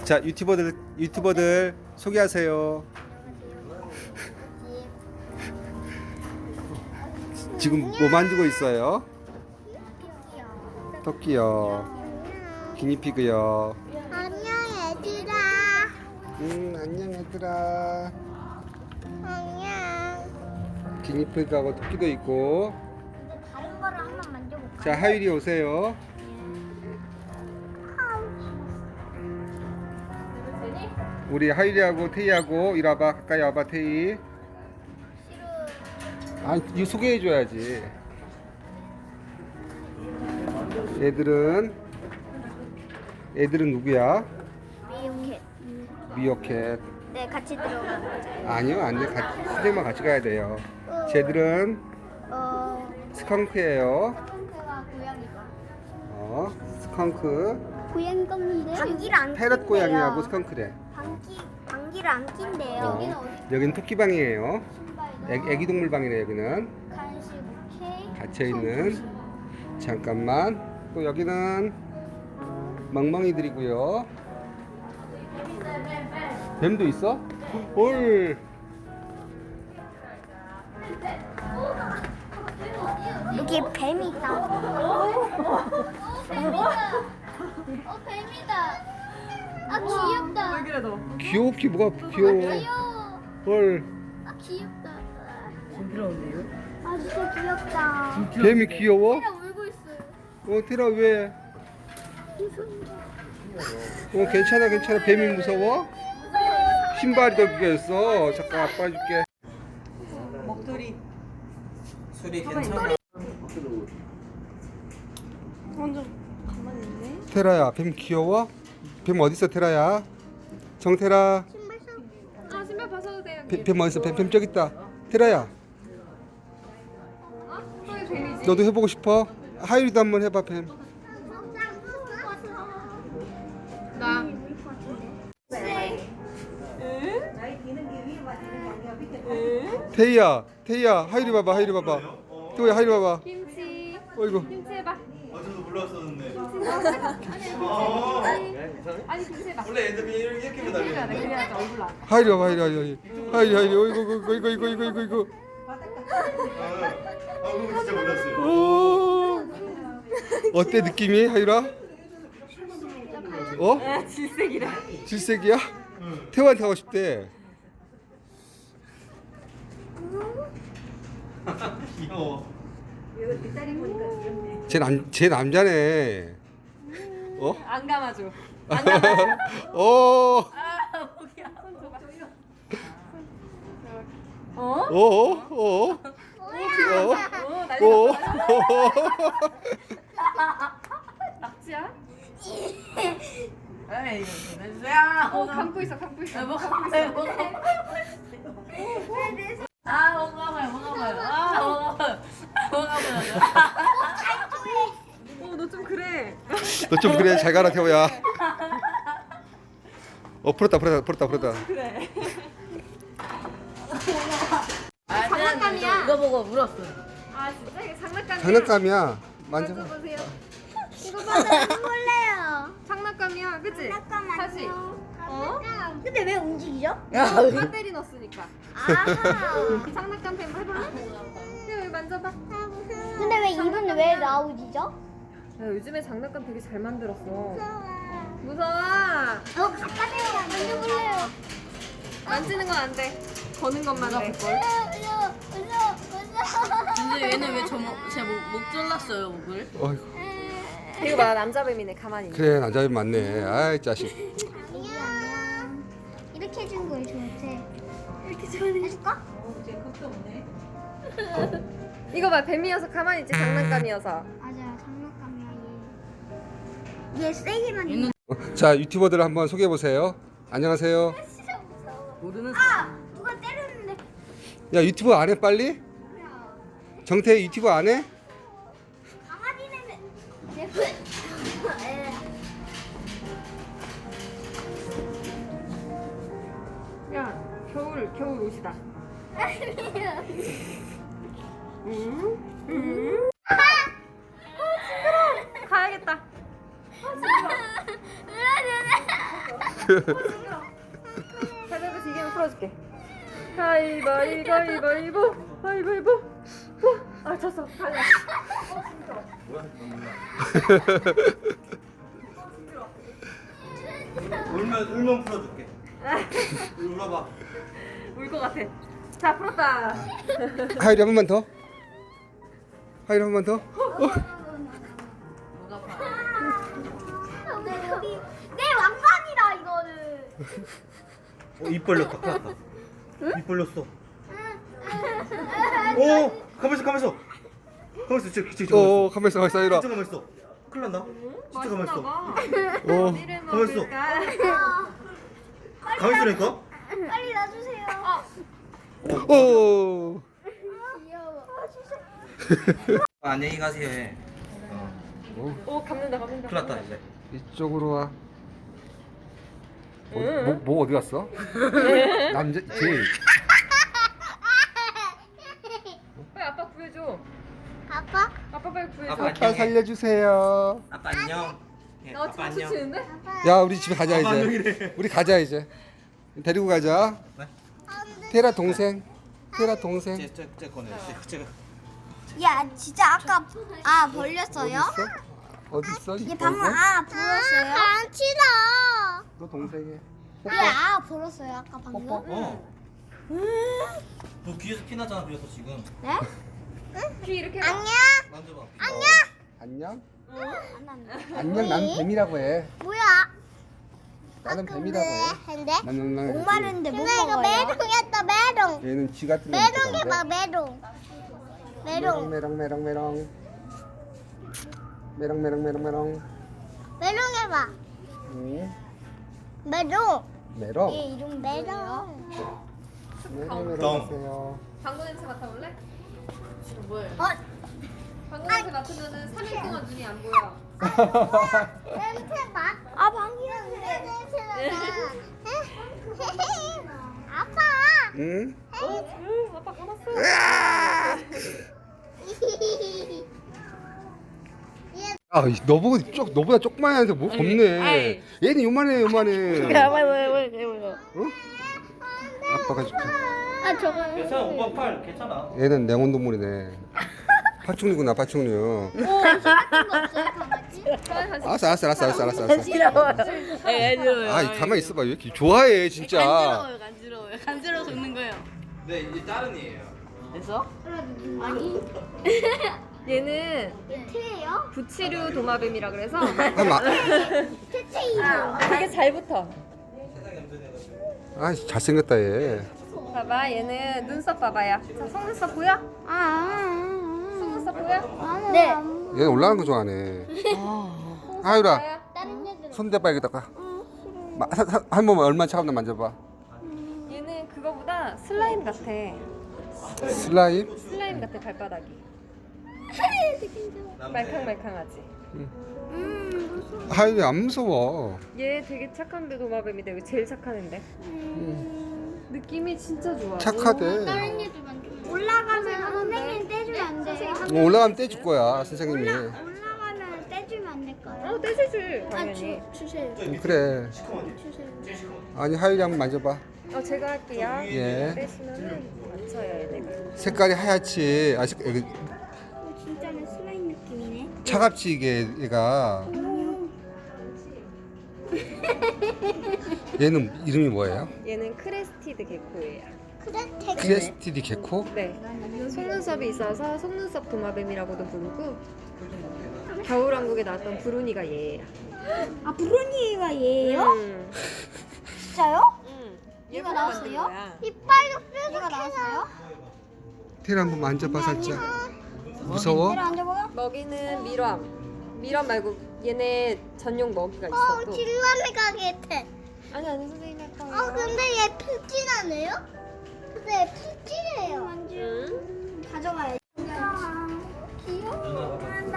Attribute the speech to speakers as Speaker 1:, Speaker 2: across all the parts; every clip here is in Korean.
Speaker 1: 자, 유튜버들 소개하세요. 지금 뭐 만들고 있어요? 토끼요. 기니피그요.
Speaker 2: 안녕 얘들아.
Speaker 1: 안녕 얘들아.
Speaker 2: 안녕.
Speaker 1: 기니피그하고 토끼도 있고.
Speaker 2: 다른 거를 한번 만져볼까?
Speaker 1: 자, 하율이 오세요. 우리 하율이하고 태희하고 이리 와봐. 가까이 와봐 태희. 아, 이거 소개해줘야지. 애들은 누구야?
Speaker 2: 미용해.
Speaker 1: 미어캣.
Speaker 2: 네, 같이 들어가.
Speaker 1: 아니요, 안 돼. 선생님만 같이 가야 돼요. 쟤들은 스컹크예요.
Speaker 2: 스컹크가 고양이가.
Speaker 1: 스컹크.
Speaker 2: 고양이 껌인데. 방귀를 안
Speaker 1: 페럿 고양이하고 스컹크래.
Speaker 2: 방귀를 안 낀대요.
Speaker 1: 여기는 토끼방이에요. 애기 동물 방이네 여기는.
Speaker 2: 간식 오케이.
Speaker 1: 갇혀 있는. 잠깐만. 또 여기는 멍멍이들이고요. 뱀도 있어? 헐.
Speaker 2: 여기 뱀이 있다. 뱀이다. 아 귀엽다.
Speaker 3: 왜 그래 너?
Speaker 1: 귀엽기 뭐가 귀여워.
Speaker 2: 귀여워.
Speaker 1: 헐.
Speaker 2: 아 귀엽다.
Speaker 3: 부끄러운데요?
Speaker 2: 아 진짜 귀엽다.
Speaker 1: 뱀이 귀여워?
Speaker 2: 울고 있어요.
Speaker 1: 테라 왜? 괜찮아. 뱀이 무서워? 신발이 더 비겼어. 잠깐 아빠 줄게.
Speaker 3: 목도리.
Speaker 4: 소리 괜찮아?
Speaker 3: 완전 가만히 있네.
Speaker 1: 테라야, 뱀 귀여워? 뱀 어디 있어, 테라야? 정테라.
Speaker 3: 아 신발 벗어도 돼요.
Speaker 1: 뱀 어디 있어? 뱀 저기 있다. 테라야,
Speaker 3: 왜 뱀이지?
Speaker 1: 너도 해보고 싶어? 하율이도 한번 해봐, 뱀.
Speaker 3: 나.
Speaker 1: 태희야, 하율이 봐봐. 태호야, 하율이 봐봐.
Speaker 3: 김치.
Speaker 1: 어이구.
Speaker 3: 김치 해봐.
Speaker 4: 저도 몰랐었는데.
Speaker 3: 아니 김치 해봐.
Speaker 4: 원래 애들 그냥 이렇게
Speaker 3: 해야 돼.
Speaker 4: 기다리는데.
Speaker 3: 그래야지 얼굴 안.
Speaker 1: 하율이 봐봐, 하율이. 어이구.
Speaker 4: 그거 진짜 몰랐어요.
Speaker 1: 오. 어때 느낌이, 하율아?
Speaker 3: 질색이래.
Speaker 1: 질색이야? 태호한테 하고 싶대.
Speaker 4: 귀여워.
Speaker 1: 쟤 남자네.
Speaker 3: 안 감아줘.
Speaker 1: 어?
Speaker 3: 아 목이야. 손 줘봐. 어?
Speaker 1: 어?
Speaker 3: 난리
Speaker 1: 어?
Speaker 3: 났다. 낙지야?
Speaker 5: 에이, 됐어요.
Speaker 3: 감고 있어.
Speaker 5: 아, 먹어봐요.
Speaker 3: 너 좀 그래.
Speaker 1: 너 좀 그래. 잘 가라 태호야. 풀었다.
Speaker 3: 그래.
Speaker 5: 장난감이야. 이거 보고 울었어.
Speaker 3: 아 진짜 이게 장난감이야.
Speaker 1: 장난감이야. 만져봐.
Speaker 3: 보세요.
Speaker 2: 이거 봐서 놀래요.
Speaker 3: 장난감이야, 그치?
Speaker 2: 잠깐만요.
Speaker 3: 다시.
Speaker 2: 근데 왜 움직이죠?
Speaker 3: 배터리 넣었으니까.
Speaker 2: 아.
Speaker 3: 장난감 뱀 해볼래? 여기 만져봐.
Speaker 2: 근데 왜 입은 왜 나오지죠?
Speaker 3: 야, 요즘에 장난감 되게 잘 만들었어. 무서워.
Speaker 2: 가까이서 만져볼래요.
Speaker 3: 만지는 건 안 돼. 거는 것만 돼.
Speaker 5: 근데 얘는 왜 제목 잘랐어요, 목을?
Speaker 1: 어이구.
Speaker 3: 이거 봐, 남자 뱀이네. 가만히 있네.
Speaker 1: 그래 남자애 맞네. 아이 자식.
Speaker 2: 안녕. 이렇게 해준 거예요, 저한테. 이렇게 저한테 해줄까?
Speaker 3: 이거 봐, 뱀이어서 가만히 있지. 장난감이어서.
Speaker 2: 맞아요, 장난감이야 얘. 얘 세기만 해.
Speaker 5: 얘는
Speaker 1: 자 유튜버들 한번 소개해 보세요. 안녕하세요.
Speaker 2: 진짜 무서워.
Speaker 5: 모르는
Speaker 2: 아, 누가 때렸는데.
Speaker 1: 야 유튜브 안 해 빨리? 정태 유튜브 안 해?
Speaker 2: 강아지는
Speaker 3: 야, 겨울 옷이다. 가야겠다. 가위바위보 이기면 풀어줄게. 가위바위보. 아 졌어. 갈라.
Speaker 4: 뭐야? 울면 풀어줄게. 울어봐.
Speaker 3: 울 것 같아. 자 풀었다.
Speaker 1: 하율이 한 번만 더. 하율이 한 번만 더.
Speaker 2: 내 왕관이다 이거는.
Speaker 4: 입 벌렸다. 큰일 났다. 입 벌렸어. 오, 가만있어. 진짜
Speaker 1: 가만 있어, 하율아.
Speaker 4: 가만있어. 큰일 났나? 진짜 가만있어.
Speaker 3: 어디를
Speaker 4: 가만있어.
Speaker 3: 먹을까?
Speaker 4: 가만있으니까?
Speaker 2: 빨리 놔주세요.
Speaker 1: 오.
Speaker 2: 귀여워.
Speaker 4: 안녕히 가세요. 해.
Speaker 3: 오 감는다.
Speaker 4: 큰일 났다 이제.
Speaker 1: 이쪽으로 와. 뭐 어디 갔어? 남자 제일.
Speaker 3: 빨리 아빠 구해줘.
Speaker 2: 아빠?
Speaker 3: 아빠 빨리 구해줘.
Speaker 4: 아빠.
Speaker 1: 아빠 살려주세요.
Speaker 4: 아빠 안녕. 예,
Speaker 3: 나
Speaker 4: 아빠
Speaker 3: 지금 치는데?
Speaker 1: 야, 우리 집에 가자
Speaker 4: 아빠
Speaker 1: 이제.
Speaker 4: 안녕이래.
Speaker 1: 우리 가자 이제. 데리고 가자. 테라 동생. 테라 동생.
Speaker 4: 쟤 꺼내. 쟤가.
Speaker 2: 야 진짜 아까 벌렸어요?
Speaker 1: 어디 있어?
Speaker 2: 얘 방금 불었어요? 안 치다.
Speaker 1: 너 동생이.
Speaker 2: 얘 불었어요 아까 방금?
Speaker 4: 어. 너 귀에서 피 나잖아. 그래서 지금.
Speaker 2: 네?
Speaker 3: 귀 이렇게 해봐.
Speaker 2: 안녕.
Speaker 4: 만져봐.
Speaker 1: 안녕.
Speaker 2: 안
Speaker 1: 안녕. 난 뱀이라고 해.
Speaker 2: 뭐야?
Speaker 1: 나는 뱀이라고 해.
Speaker 2: 근데?
Speaker 1: 나는
Speaker 2: 목마른데 못 먹어요. 이거 메롱이었다 메롱.
Speaker 1: 얘는 쥐 같은 거.
Speaker 2: 메롱 해봐 메롱. 메롱.
Speaker 1: 메롱. 메롱
Speaker 2: 해봐.
Speaker 1: 응.
Speaker 2: 메롱.
Speaker 1: 메롱.
Speaker 2: 얘 이름 메롱.
Speaker 1: 메롱 하세요.
Speaker 3: 방구 냄새 맡아볼래?
Speaker 5: 뭐예요?
Speaker 3: 방구 냄새 맡으면은 3일 동안 눈이 안 보여.
Speaker 2: 냄새 맡. 방귀는 냄새 나다. 아빠.
Speaker 1: 응?
Speaker 3: 아빠 감았어.
Speaker 1: 아, 너보다 조그만 애한테 뭐 겁네. 얘는 요만해. 응? 아빠가 줄게.
Speaker 2: 저거.
Speaker 4: 괜찮아. 오빠 팔 괜찮아.
Speaker 1: 얘는 냉온동물이네. 파충류구나, 파충류. 알았어.
Speaker 5: 싫어요.
Speaker 1: 아, 가만히 있어봐. 왜 이렇게 좋아해, 진짜.
Speaker 5: 간지러워요. 간지러워서 웃는 거예요.
Speaker 4: 네, 이제 다른 이에요.
Speaker 5: 됐어?
Speaker 3: 얘는
Speaker 2: 태예요?
Speaker 3: 부치류 도마뱀이라 그래서
Speaker 2: 태태이죠.
Speaker 3: 되게 잘 붙어.
Speaker 1: 아, 잘생겼다, 얘.
Speaker 3: 봐봐, 얘는 눈썹 봐봐요. 자, 속눈썹 보여? 속눈썹 보여?
Speaker 2: 네.
Speaker 1: 얘는 올라가는 거 좋아하네. 하율아,
Speaker 2: 다른 애들은
Speaker 1: 손 대봐, 여기다가. 한 번만 얼마나 차갑나 만져봐.
Speaker 3: 얘는 그거보다 슬라임 같아.
Speaker 1: 슬라임?
Speaker 3: 슬라임 같아, 발바닥이. 말캉말캉하지.
Speaker 1: 하율이 안 무서워.
Speaker 3: 얘 되게 착한데 도마뱀인데 여기 제일 착한 앤데. 느낌이 진짜 좋아.
Speaker 1: 착하대.
Speaker 2: 다른 애들만 좀. 올라가면 선생님 떼주면 안 돼요?
Speaker 1: 올라가면 떼줄 거야, 선생님이.
Speaker 2: 올라가면 떼주면 안 될까요?
Speaker 3: 떼주지 당연히.
Speaker 2: 주세요.
Speaker 1: 그래.
Speaker 2: 주세요.
Speaker 1: 아니, 하율이 한번 만져봐.
Speaker 3: 제가 할게요.
Speaker 1: 예.
Speaker 3: 떼시면은 맞춰요, 얘네가.
Speaker 1: 색깔이 하얗지. 여기
Speaker 2: 진짜는 슬라임 느낌이네.
Speaker 1: 차갑지, 이게, 얘가. 얘는 이름이 뭐예요?
Speaker 3: 얘는 크레스티드 개코예요.
Speaker 2: 그래?
Speaker 1: 크레스티디 개코?
Speaker 3: 네. 속눈썹이 있어서 속눈썹 도마뱀이라고도 부르고 겨울왕국에 나왔던 브루니가 얘예요.
Speaker 2: 브루니가 얘예요? 진짜요?
Speaker 3: 얘가
Speaker 2: 나왔어요? 이빨도 뾰족해서.
Speaker 1: 테라 한번 만져봐, 살짝. 무서워?
Speaker 2: 앉아봐요.
Speaker 3: 먹이는 미람 말고 얘네 전용 먹이가 있어. 또.
Speaker 2: 길라메 가게트.
Speaker 3: 아니 선생님이 할 거예요.
Speaker 2: 근데 얘 푹진하네요? 근데 얘 푹진해요.
Speaker 3: 응?
Speaker 2: 가져가야지. 귀여워.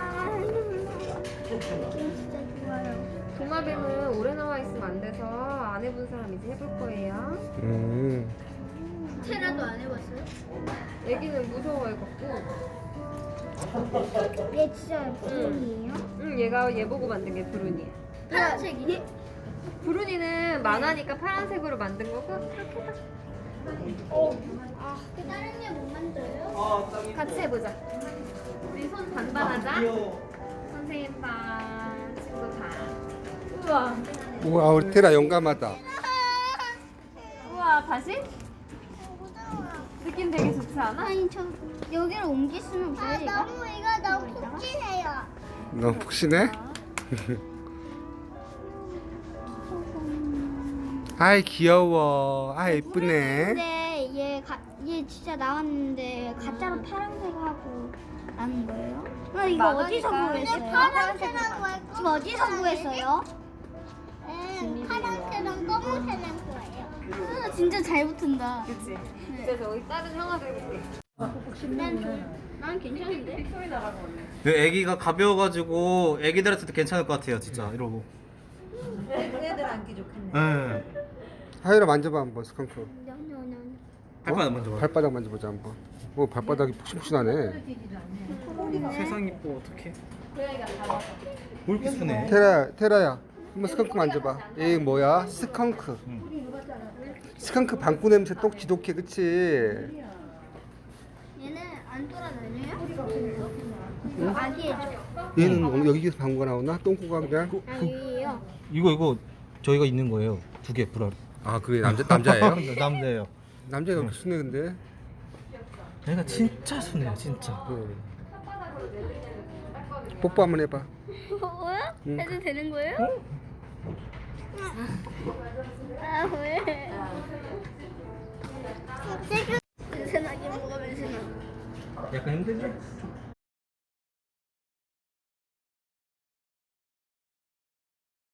Speaker 2: 진짜 좋아요.
Speaker 3: 도마뱀은 오래 나와 있으면 안 돼서 안 해본 사람 이제 해볼 거예요.
Speaker 2: 테라도 안 해봤어요?
Speaker 3: 애기는 무서워해갖고.
Speaker 2: 얘 진짜 브루니예요?
Speaker 3: 얘가 얘 보고 만든 게 브루니야.
Speaker 2: 파란색이네.
Speaker 3: 부르니는 만화니까 파란색으로 만든 거고 이렇게 해봐.
Speaker 2: 다른 애 못 만져요?
Speaker 3: 같이 해보자. 우리 손 반반하자. 선생님 반, 친구 반. 우와.
Speaker 1: 우와 우리 테라 용감하다.
Speaker 3: 우와, 다시? 느낌 되게 좋지 않아?
Speaker 2: 아니 저 여기를 옮길 수는 없어요 이거? 너무 푹신해요.
Speaker 1: 너무 푹신해? 아이 귀여워. 아 예쁘네.
Speaker 2: 근데 얘 진짜 나왔는데 가짜로 파란색하고 나는 거예요? 이거
Speaker 3: 만화니까.
Speaker 2: 어디서 구했어요?
Speaker 3: 파란색이라고
Speaker 2: 지금 어디서 구했어요?
Speaker 6: 파란색랑 검은색랑 거예요.
Speaker 2: 진짜 잘 붙은다.
Speaker 3: 그치? 그래서 여기 다른 형아도 해볼게.
Speaker 2: 난 괜찮은데?
Speaker 3: 소리 나가고.
Speaker 4: 그 애기가 가벼워가지고 애기들한테도 괜찮을 것 같아요 진짜 이러고.
Speaker 3: 애들 안기 좋겠네.
Speaker 4: 네.
Speaker 1: 하이라 만져봐 한번 스컹크.
Speaker 4: 발바닥 먼저 봐.
Speaker 1: 발바닥 만져보자 한번. 오 발바닥이 푹신푹신하네.
Speaker 4: 세상 이뻐 어떡해. 뭘 이렇게 순해?
Speaker 1: 테라야 한번 스컹크 만져봐. 얘 뭐야? 스컹크. 스컹크 방구 냄새 똑 지독해 그치?
Speaker 2: 얘는 안 돌아다녀요? 아기애죠.
Speaker 1: 얘는 여기서 방구가 나오나? 똥구가 그냥?
Speaker 2: 아기예요.
Speaker 4: 이거 저희가 있는 거예요. 두 개 불알.
Speaker 1: 아 그래 남자예요?
Speaker 4: 남자예요.
Speaker 1: 남자가 이렇게 순해 근데?
Speaker 4: 얘가 진짜 순해요 진짜.
Speaker 1: 뽀뽀 한번 해봐.
Speaker 2: 뭐야?
Speaker 1: 응.
Speaker 2: 해도 되는 거예요? 아 왜? 세균. 냄새나게 먹으면 냄새나.
Speaker 4: 약간 힘들지?